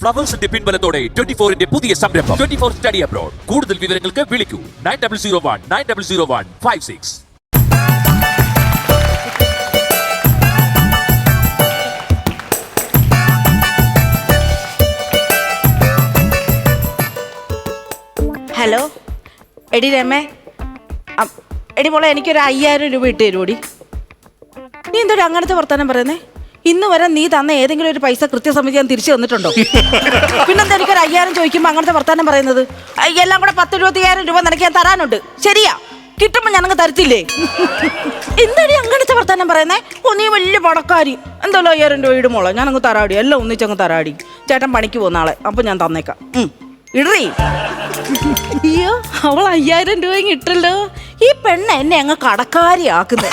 ഫ്ലവേഴ്സിന്റെ പിൻബലത്തോടെ 24-ന്റെ പുതിയ സംരംഭം 24 study abroad. കൂടുതൽ വിവരങ്ങൾക്ക് വിളിക്കൂ 9001900156. ഹലോ, എടി രമേ, എടി മോളെ, എനിക്കൊരു 5000 രൂപ ഇട്ട് തരുമോടി? നീ എന്തൊരു അങ്ങനത്തെ വർത്താനം പറയുന്നേ? ഇന്ന് വരെ നീ തന്ന ഏതെങ്കിലും ഒരു പൈസ കൃത്യസമിതി ഞാൻ തിരിച്ചു തന്നിട്ടുണ്ടോ? പിന്നെന്താ എനിക്കൊരു 5000 ചോദിക്കുമ്പോൾ അങ്ങനത്തെ വർത്താനം പറയുന്നത്? എല്ലാം കൂടെ 10-20,000 രൂപ നിനക്ക് ഞാൻ തരാനുണ്ട്. ശരിയാ, കിട്ടുമ്പോൾ ഞാനങ്ങ് തരത്തില്ലേ? എന്താടി അങ്ങനത്തെ വർത്താനം പറയുന്നേ? ഓ, നീ വലിയ പണക്കാരി. എന്തായാലും 5000 രൂപ ഇടുമോളെ, ഞാനങ്ങ് തരാടി. എല്ലാം ഒന്നിച്ചങ്ങ് തരാടി. ചേട്ടൻ പണിക്ക് പോകുന്ന ആളെ, അപ്പം ഞാൻ തന്നേക്കാം. ഇടറി. അയ്യോ, അവൾ 5000 രൂപ ഇട്ടല്ലോ. ഈ പെണ്ണ് എന്നെ അങ്ങ് കടക്കാരിയാക്കുന്നത്.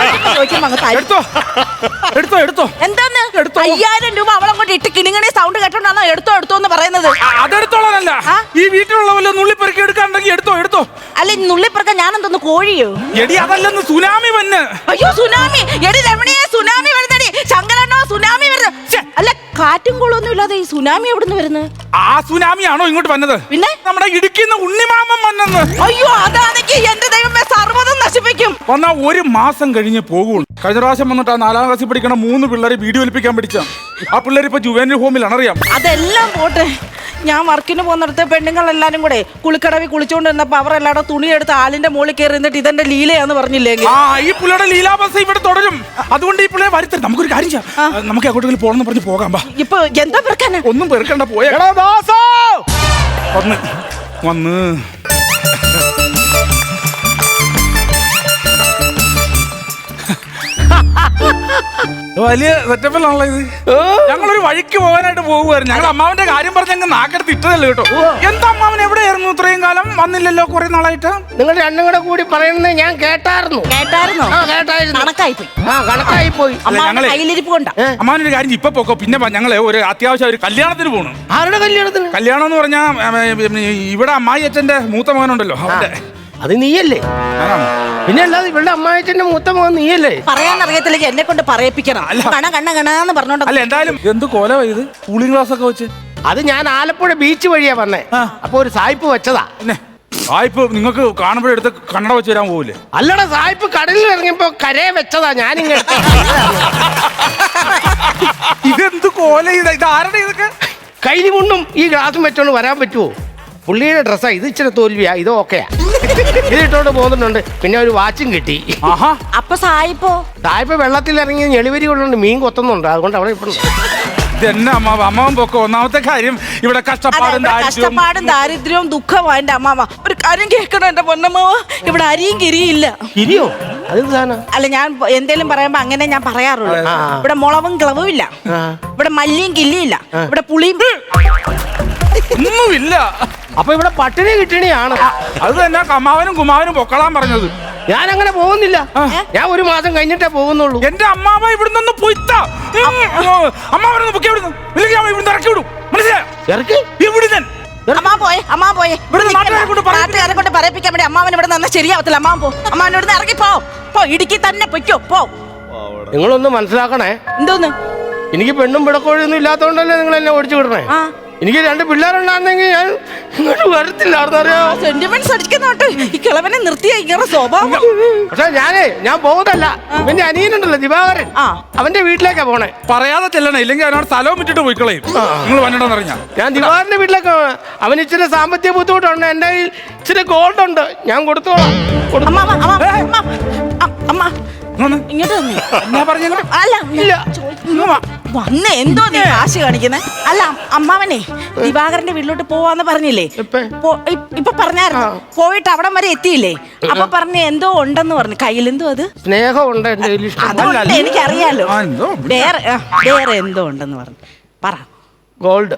എന്താന്ന് 5000 രൂപ അവളങ്ങോട്ട് ഇട്ട് കിണിങ്ങണി സൗണ്ട് കേട്ടോണ്ടാണോ എടുത്തോ എന്ന് പറയുന്നത്? അതെടുത്തോളാനല്ല, ഈ വീട്ടിലുള്ള വല്ല നുള്ളിപ്പെറുക്കി എടുക്കാണ്ടെങ്കിൽ എടുത്തോ. അല്ല, നുള്ളിപ്പെറുക്ക ഞാൻ എന്തോന്ന് കോഴിയോ? എടി അതല്ലെന്ന് സുനാമി വന്ന്. അയ്യോ, സുനാമി! എടി രമണിയെ, സുനാമി വരുന്നടി. ശങ്കരണ്ണോ, സുനാമി വരുന്നത്. അല്ല, കാറ്റും കോളൊന്നും ഇല്ലാതെ ഈ സുനാമി എവിടുന്ന് വരുന്നത്? ആ സുനാമിയാണോ ഇങ്ങോട്ട് വന്നത്? പിന്നെ നമ്മുടെ ഇടുക്കിന്ന് ഉണ്ണിമാമൻ വന്നെന്ന്. അയ്യോ, അതാണെങ്കിൽ എന്റെ ദൈവമേ, സർവ്വതും നശിപ്പിക്കും. വന്നാ 1 മാസം കഴിഞ്ഞ് പോകുള്ളൂ. കഴിഞ്ഞ പ്രാവശ്യം വന്നിട്ട് ആ 4ാം ക്ലാസ്സിൽ പഠിക്കണ 3 പിള്ളേരെ വീഡിയോ ഒലിപ്പിക്കാൻ പഠിച്ച ആ പിള്ളേർ ഇപ്പൊ ജുവനൽ ഹോമിലാണ്, അറിയാം. അതെല്ലാം പോട്ടെ, ഞാൻ വർക്കിന് പോകുന്നിടത്ത് പെണ്ണുങ്ങൾ എല്ലാരും കൂടെ കുളിക്കടവിൽ കുളിച്ചോണ്ട് നിന്നപ്പോ അവരെല്ലാടെ തുണിയെടുത്ത് ആലിന്റെ മുകളിൽ കയറി നിന്നിട്ട് ഇതെന്റെ ലീലയാന്ന് പറഞ്ഞില്ലെങ്കിൽ ഈ പുള്ളിയുടെ ലീലാബസ് ഇവിടെ തുടരും. അതുകൊണ്ട് ഈ പിള്ളേരെ വരുത്തരുത്. നമുക്കൊരു കാര്യം ചെയ്യാം, നമുക്ക് എങ്ങോട്ടെങ്കിലും പോകണമെന്ന് പറഞ്ഞ് പോകാം. ഇപ്പൊ എന്താ പെറുക്കാനാ? ഒന്നും പെറുക്കണ്ട, പോയ വന്ന് വലിയ സെറ്റപ്പിലാണല്ലോ ഇത്. ഞങ്ങളൊരു വഴിക്ക് പോകാനായിട്ട് പോകുമായിരുന്നു. ഞങ്ങൾ അമ്മാവന്റെ കാര്യം പറഞ്ഞ് ഞങ്ങൾ നാക്കെടുത്ത് ഇട്ടതല്ലേ കേട്ടോ. എന്താ അമ്മാവൻ എവിടെയായിരുന്നു ഇത്രയും കാലം? വന്നില്ലല്ലോ കുറെ നാളായിട്ട്. നിങ്ങൾ രണ്ടും കൂടെ കൂടി പറയുന്നത് ഞാൻ കേട്ടായിരുന്നു. കണക്കായിപ്പോയി. അമ്മാവനൊരു കാര്യം ഇപ്പൊ പോക്കോ, പിന്നെ ഞങ്ങള് ഒരു അത്യാവശ്യം ഒരു കല്യാണത്തിന് പോകണം. ആരുടെ കല്യാണത്തിന്? കല്യാണം എന്ന് പറഞ്ഞാ ഇവിടെ അമ്മായി അച്ഛന്റെ മൂത്ത മകനുണ്ടല്ലോ, അവന്റെ. അത് നീയല്ലേ? പിന്നെ അല്ലാതെ ഇവളുടെ അമ്മായിച്ചന്റെ മൂത്ത മകൻ നീയല്ലേ? പറയാൻ അറിയത്തില്ലെങ്കിൽ എന്നെ കൊണ്ട് പറയിപ്പിക്കണം. കണ്ണാന്ന് പറഞ്ഞോണ്ട്. അല്ല, എന്തായാലും എന്ത് കൊല ഇത്, കൂളിംഗ് ഗ്ലാസ് ഒക്കെ വെച്ച്. അത് ഞാൻ ആലപ്പുഴ ബീച്ച് വഴിയാ വന്നേ. അപ്പൊ ഒരു സായിപ്പ് വെച്ചതാ. സായിപ്പ് നിങ്ങൾക്ക് കാണുമ്പോഴെടുത്ത് കണ്ണട വെച്ച് തരാൻ പോവില്ലേ? അല്ലടാ, സായിപ്പ് കടലിൽ ഇറങ്ങിയപ്പോ കരയെ വെച്ചതാ. ഞാനിങ്ങനെ ഇതെന്ത് കോല ഇത് ആരുടെ ഇതൊക്കെ? കൈലിമുണ്ടും ഈ ഗ്ലാസും വെച്ചോണ്ട് വരാൻ പറ്റുമോ? പുള്ളിയുടെ ഡ്രസ്സാ ഇത്. ഇച്ചിരി തോൽവിയാ, ഇത് ഓക്കെയാ. ഇതിട്ടോണ്ട് പോകുന്നുണ്ട്. പിന്നെ ഒരു വാച്ചും കിട്ടി. അപ്പൊ സായിപ്പ് വെള്ളത്തിൽ ഇറങ്ങി ഞെളിവരി കൊണ്ടുണ്ട് മീൻ കൊത്തുന്നുണ്ട്. അതുകൊണ്ട് അവിടെ ഇപ്പൊ ഇതെന്നെ അമ്മാവൻ പൊക്കോ. ഒന്നാമത്തെ കാര്യം ഇവിടെ കഷ്ടപ്പാടും ദാരിദ്ര്യവും ദുഃഖവും. എന്റെ അമ്മാവ ഒരു കാര്യം കേൾക്കണം എന്റെ പൊന്നമ്മാവ, ഇവിടെ അരിയും കിരിയില്ല. കിരിയോ? അല്ല, ഞാൻ എന്തേലും പറയുമ്പോ അങ്ങനെ ഞാൻ പറയാറുള്ളൂ. ഇവിടെ മുളവും കിളവും ഇല്ല, ഇവിടെ മല്ലിയും കില്ലിയില്ല, ഇവിടെ പുളിയും ഒന്നുമില്ല. അപ്പൊ ഇവിടെ പട്ടിണി കിട്ടണിയാണ്. അത് തന്നെ അമ്മാവനും കുമാവനും പൊക്കളാൻ പറഞ്ഞത്. ഞാൻ അങ്ങനെ പോകുന്നില്ല. ഞാൻ 1 മാസം കഴിഞ്ഞിട്ടേ പോകുന്നുള്ളൂ. എന്റെ അമ്മാവ ഇവിടുന്ന് പോയിത്താ. അമ്മാവനൊന്ന് പൊക്കി ഇവിടുന്ന്, ഇല്ലെങ്കിൽ അവൻ ഇവിടുന്ന് ഇറക്കി വിടും. മനസ്സിലായോ? നാട്ടുകാരെ കൊണ്ട് പറയിപ്പിക്കാൻ വേണ്ടി അമ്മാവൻ ഇവിടെ നിന്ന് ശരിയാവത്തില്ല. അമ്മാവൻ അമ്മാവൻ ഇവിടുന്ന് ഇറങ്ങി പോ. ഇടുക്കി തന്നെ പൊയ്ക്കോ, പോ. നിങ്ങളൊന്ന് മനസ്സിലാക്കണേ. എന്തോന്ന്? എനിക്ക് പെണ്ണും പിടക്കോഴിയൊന്നും ഇല്ലാത്തോണ്ടല്ലേ നിങ്ങൾ എന്നെ ഓടിച്ചു വിടണേ. എനിക്ക് 2 പിള്ളേരുണ്ടായിരുന്നെങ്കിൽ ഞാൻ ഇങ്ങോട്ട് വരത്തില്ലായിരുന്നു. അറിയാമോ? സെന്റിമെന്റ്സ് അടിക്കുന്നോട്ട് ഈ കിളവനെ നിർത്തിയ ഇങ്ങനെ സ്വഭാവം. പക്ഷെ ഞാൻ പോകുന്നല്ല. എന്റെ അനിയനുണ്ടല്ലോ ദിവാകരൻ, അവന്റെ വീട്ടിലേക്കാ പോണേ. പറയാതെ ചെല്ലണേ, ഇല്ലെങ്കിൽ അവനോട് സ്ഥലവും വിട്ടിട്ട് പോയി കളയും. നിങ്ങൾ വന്നിട്ടോന്ന് അറിഞ്ഞാ ഞാൻ ദിവാകരന്റെ വീട്ടിലേക്ക്. അവന് ഇച്ചിരി സാമ്പത്തിക ബുദ്ധിമുട്ടുണ്ട്. എന്റെ കയ്യിൽ ഇച്ചിരി ഗോൾഡ് ഉണ്ട്, ഞാൻ കൊടുത്തോളാം. ഇങ്ങോട്ട് വന്ന് എന്തോ നീ കാശ് കാണിക്കുന്നേ? അല്ല, അമ്മാവനെ ദിവാകരന്റെ വീട്ടിലോട്ട് പോവാന്ന് പറഞ്ഞില്ലേ? ഇപ്പൊ പറഞ്ഞായിരുന്നു. പോയിട്ട് അവിടം വരെ എത്തിയില്ലേ? അപ്പൊ പറഞ്ഞ എന്തോ ഉണ്ടെന്ന് പറഞ്ഞു. കയ്യിൽ എന്തോ അത് സ്നേഹമുണ്ട്. അതുകൊണ്ട് എനിക്കറിയാലോ. വേറെ എന്തോ ഉണ്ടെന്ന് പറഞ്ഞു. പറ. ഗോൾഡ്.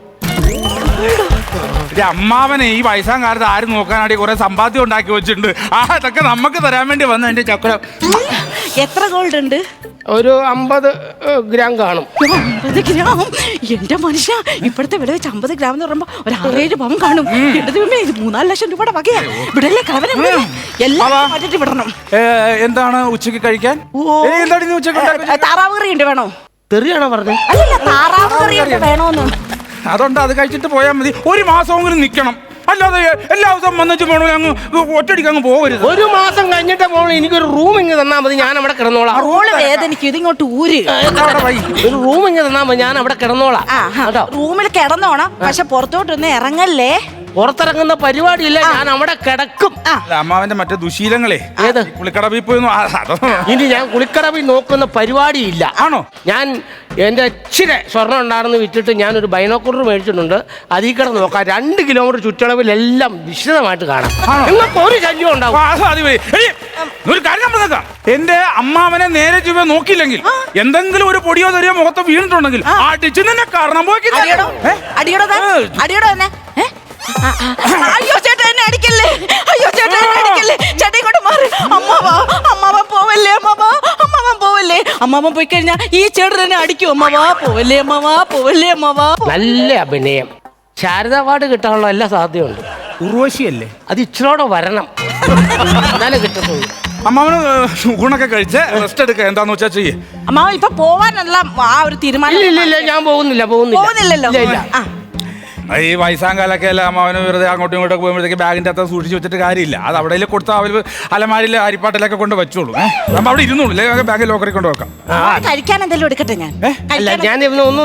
അമ്മാവനെ ഈ വയസ്സാം കാലത്ത് ആരും നോക്കാനായിട്ട് കുറെ സമ്പാദ്യം ഉണ്ടാക്കി വെച്ചിട്ടുണ്ട്. അതൊക്കെ നമുക്ക് തരാൻ വേണ്ടി വന്നു. എന്റെ ചക്രം എത്ര ഗോൾഡ് ഉണ്ട്? ഒരു 50 ഗ്രാം കാണും. 50 ഗ്രാം? എന്റെ മനുഷ്യ, ഇപ്പോഴത്തെ വില വെച്ച് 50 ഗ്രാം എന്ന് പറയുമ്പോ ഒരു 6-7 പവൻ കാണും. എന്റെ ദൈവമേ, ഇത് 3-4 ലക്ഷം രൂപയുടെ വകയാ. ഇവിടെയല്ലേ കളവനെ എല്ലാം മാറ്റിട്ട് വിടണം. എന്താണ് ഉച്ചക്ക് കഴിക്കാൻ? താറാവ് കറി ഉണ്ട്, വേണോ? തെറിയാണോ പറഞ്ഞത്? അല്ലല്ല, താറാവ് കറി ഉണ്ട്, വേണോന്ന്. അതുകൊണ്ട് അത് കഴിച്ചിട്ട് പോയാൽ മതി. ഒരു മാസമെങ്കിലും നിൽക്കണം, അല്ലാതെ എല്ലാ ദിവസവും വന്നിട്ട് പോകണം അങ്ങ് ഒറ്റടിക്ക് അങ്ങ് പോകരുത്. ഒരു മാസം കഴിഞ്ഞിട്ട് പോകണം. എനിക്കൊരു റൂം ഇങ്ങ് തന്നാൽ മതി, ഞാൻ അവിടെ കിടന്നോളാം. റോള് വേദനിക്കും, ഇതിങ്ങോട്ട് ഊര്. ഒരു റൂം ഇങ്ങ് തന്നാൽ മതി, ഞാൻ അവിടെ കിടന്നോളാം. റൂമിൽ കിടന്നോണം, പക്ഷെ പുറത്തോട്ടൊന്നും ഇറങ്ങല്ലേ. പുറത്തിറങ്ങുന്ന പരിപാടിയില്ല, ഞാൻ അവിടെ കിടക്കും. അമ്മാവന്റെ മറ്റേ ദുശീലങ്ങളെ ഏത് കുളിക്കടവിൽ പോയി ഇനി ഞാൻ കുളിക്കടവിൽ നോക്കുന്ന പരിപാടിയില്ല. ആണോ? ഞാൻ എന്റെ ഇച്ചിരി സ്വർണ്ണം ഉണ്ടായിരുന്നു വിറ്റിട്ട് ഞാനൊരു ബൈനോക്കുലർ മേടിച്ചിട്ടുണ്ട്. അതിൽ കിടന്ന് നോക്കാം. 2 കിലോമീറ്റർ ചുറ്റളവിലെല്ലാം വിശദമായിട്ട് കാണാം. നിങ്ങൾക്ക് ഒരു ശല്യം ഉണ്ടാവും. ഒരു കാര്യം പറഞ്ഞേക്കാം, എന്റെ അമ്മാവനെ നേരെ ചുവ നോക്കിയില്ലെങ്കിൽ എന്തെങ്കിലും ഒരു പൊടിയോ തെറിയോ മുഖത്ത് വീണിട്ടുണ്ടെങ്കിൽ അടിച്ചു നിന്നെ കാരണം പോയി. അടിയോടോ തന്നെ. അയ്യോ ചേട്ടാ എന്നെ അടിക്കല്ലേ, അയ്യോ ചേട്ടാ എന്നെ അടിക്കല്ലേ, ചേട്ടാ ഇങ്ങോട്ട് മാറി. അമ്മാവൻ പോവല്ലേ, അമ്മാവൻ പോവല്ലേ. അമ്മാവൻ പോയി കഴിഞ്ഞാ ഈ ചേട്ടൻ എന്നെ അടിക്കും. അമ്മാവാ പോവല്ലേ, അമ്മാവാ പോവല്ലേ, അമ്മാവാ. നല്ല അഭിനയം. ശാരദ അവാർഡ് കിട്ടാനുള്ള എല്ലാ സാധ്യതയുണ്ട്. ഉർവശിയല്ലേ? അത് ഇച്ചിരോടെ വരണം, എന്നാലേ കിട്ടത്തുള്ളൂ. അമ്മാവന് ഊണൊക്കെ കഴിച്ച് റെസ്റ്റ് എടുക്കുക, എന്താന്ന് വെച്ചാ ചെയ്യേ. അമ്മാവൻ ഇപ്പൊ പോവാനുള്ള ആ ഒരു തീരുമാനം. ഇല്ല, ഞാൻ പോകുന്നില്ലല്ലോ. ഈ വയസ്സാങ്കാലൊക്കെ അല്ല അമ്മാവന് വെറുതെ അങ്ങോട്ടും ഇങ്ങോട്ടൊക്കെ പോകുമ്പോഴത്തേക്ക് ബാഗിന്റെ അകത്ത് സൂക്ഷിച്ച് വെച്ചിട്ട് കാര്യമില്ല. അത് അവിടെ കൊടുത്താൽ അവർ അലമാരിൽ അരിപ്പാട്ടിലൊക്കെ കൊണ്ട് വെച്ചോളൂ. നമ്മൾ അവിടെ ഇരുന്നോളൂ, അല്ലെങ്കിൽ ബാഗ് ലോക്കറിൽ കൊണ്ട് വെക്കാം. കഴിക്കാൻ എന്തെങ്കിലും എടുക്കട്ടെ ഞാൻ. ഞാൻ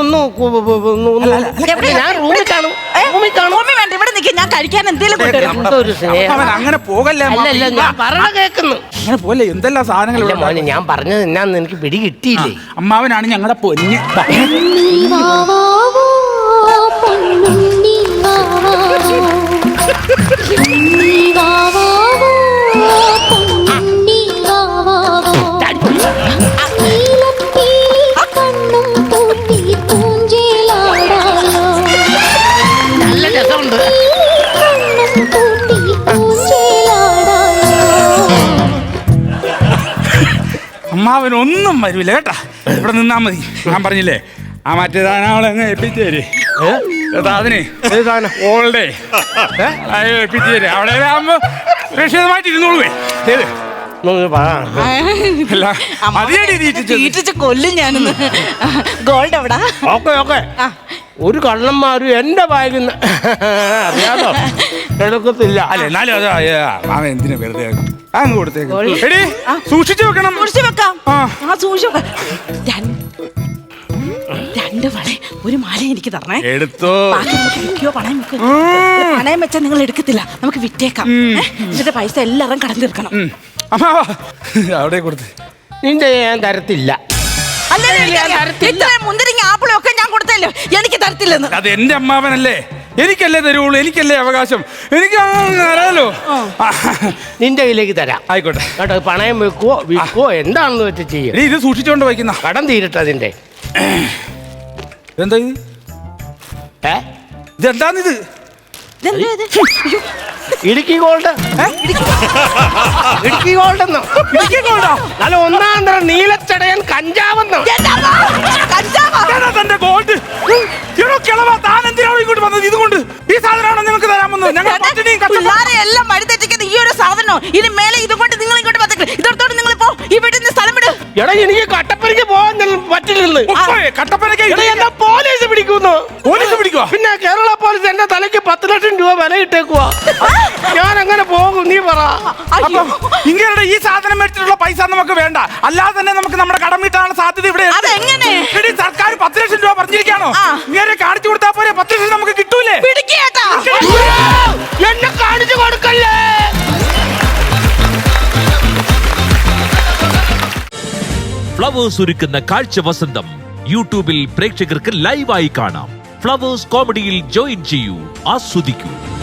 റൂമിൽ കാണും. വേണ്ട, ഇവിടെ നിൽക്കും, ഞാൻ കഴിക്കാൻ എന്തെങ്കിലും. അങ്ങനെ പോകല്ലേ, ഞാൻ പറഞ്ഞ കേൾക്കുന്നു. അങ്ങനെ പോലെ എന്തെല്ലാം സാധനങ്ങൾ. ഞാൻ പറഞ്ഞത് എന്നാന്ന് എനിക്ക് പിടി കിട്ടിയില്ലേ. അമ്മാവനാണ് ഞങ്ങളുടെ പൊന്ന്. നല്ല രസമുണ്ട്. അമ്മാവനൊന്നും വരൂല കേട്ടാ, ഇവിടെ നിന്നാ മതി. ഞാൻ പറഞ്ഞില്ലേ ആ മറ്റേ സാധനങ്ങളങ്ങ് എത്തിച്ചേര്. അതിനെ ഓൾഡേ എത്തിച്ചേര്. അവിടെ ആകുമ്പോ സുരക്ഷിതമായിട്ട് ഇരുന്നോളൂ. കൊല്ലും ഞാനൊന്ന്. ഗോൾഡ് എവിടാ? ഓക്കെ ഒരു കള്ളന്മാരും എന്റെ ബാഗിൽ നിന്ന് അറിയാമോ എടുക്കത്തില്ല. അല്ല എന്നാലും അത് എന്തിനാ വെറുതെ അങ്ങ് കൊടുത്തേക്ക്. സൂക്ഷിച്ചു വെക്കണം. സൂക്ഷിച്ചു വെക്കാം. സൂക്ഷിച്ചു വെക്കാം. 2 വള ഒരു മാല എനിക്ക് തരണേ. എടുത്തോ. പണയം വെച്ചാൽ നിങ്ങൾ എടുക്കത്തില്ല, നമുക്ക് വിറ്റേക്കാം. എന്നിട്ട് പൈസ എല്ലാവരും കടം തീർക്കണം. അവിടെ കൊടുത്ത് നിന്റെ ഞാൻ തരത്തില്ല. മുന്തിരിങ്ങ ആപ്പിളും ഒക്കെ ഞാൻ കൊടുത്തല്ലോ, എനിക്ക് തരത്തില്ലെന്ന്. അത് എന്റെ അമ്മാവനല്ലേ, എനിക്കല്ലേ തരുള്ളൂ, എനിക്കല്ലേ അവകാശം, എനിക്ക് അറിയാലോ. നിന്റെ കയ്യിലേക്ക് തരാം. ആയിക്കോട്ടെ കേട്ടോ. പണയം വെക്കുവോ വിൽക്കുവോ എന്താണെന്ന് വെച്ച് ചെയ്യും. ഇത് സൂക്ഷിച്ചോണ്ട് വയ്ക്കുന്ന കടം തീരട്ടെ അതിന്റെ. എന്താ ഇത്? ഇതെന്താന്നിത്? ഇടുക്കി ഗോൾഡ്. ഇടുക്കി ഗോൾഡ് എന്നോ? ഇടുക്കി ഗോൾഡോ? അല്ല, 1-ാം തരം നീലച്ചടയൻ കഞ്ചാവെന്നോ? തന്റെ ഗോൾഡ് താൻ എന്തിനാണോ ഇങ്ങോട്ട് വന്നത്? ഇതുകൊണ്ട് ഈ സാധനമാണോ നിങ്ങൾക്ക് തരാമെന്ന്? എല്ലാം വഴിതെറ്റിക്കുന്ന ഈ ഒരു സാധനോ? ഇനി മേലെ ഇതുകൊണ്ട് നിങ്ങൾ ഇങ്ങോട്ട് വന്നിട്ട് ഇതോടത്തോട് നിങ്ങൾ പോ, ഈ വീട്ടിൽ നിന്ന് സ്ഥലം വിട്. എടാ, എനിക്ക് കട്ടപ്പനയ്ക്ക് പോകാൻ പറ്റില്ലെന്ന്. കട്ടപ്പനയ്ക്ക് പോലീസ് പിടിക്കുന്നു. പോലീസ് പിടിക്കുക? പിന്നെ കേരള പോലീസ് എന്റെ തലയ്ക്ക് 10 ലക്ഷം രൂപ വില ഇട്ടേക്കുവാ. ഞാൻ അങ്ങനെ പോകും, നീ പറ. ഇങ്ങനെ ഈ സാധനം മേടിച്ചിട്ടുള്ള പൈസ നമുക്ക് വേണ്ട, അല്ലാതെ തന്നെ നമുക്ക് നമ്മുടെ കടം വീട്ടാനുള്ള സാധ്യത ഇവിടെ. സർക്കാർ 10 ലക്ഷം രൂപ പറഞ്ഞിരിക്കാണോ? ഇങ്ങനെ കാണിച്ചു കൊടുത്താൽ പോരെ 10 ലക്ഷം നമുക്ക് കിട്ടൂലേ? എന്നെ കാണിച്ചു കൊടുക്കല്ലേ. ഫ്ലവേഴ്സ് ഒരുക്കുന്ന കാഴ്ച വസന്തം യൂട്യൂബിൽ പ്രേക്ഷകർക്ക് ലൈവായി കാണാം. ഫ്ലവേഴ്സ് കോമഡിയിൽ ജോയിൻ ചെയ്യൂ, ആസ്വദിക്കൂ.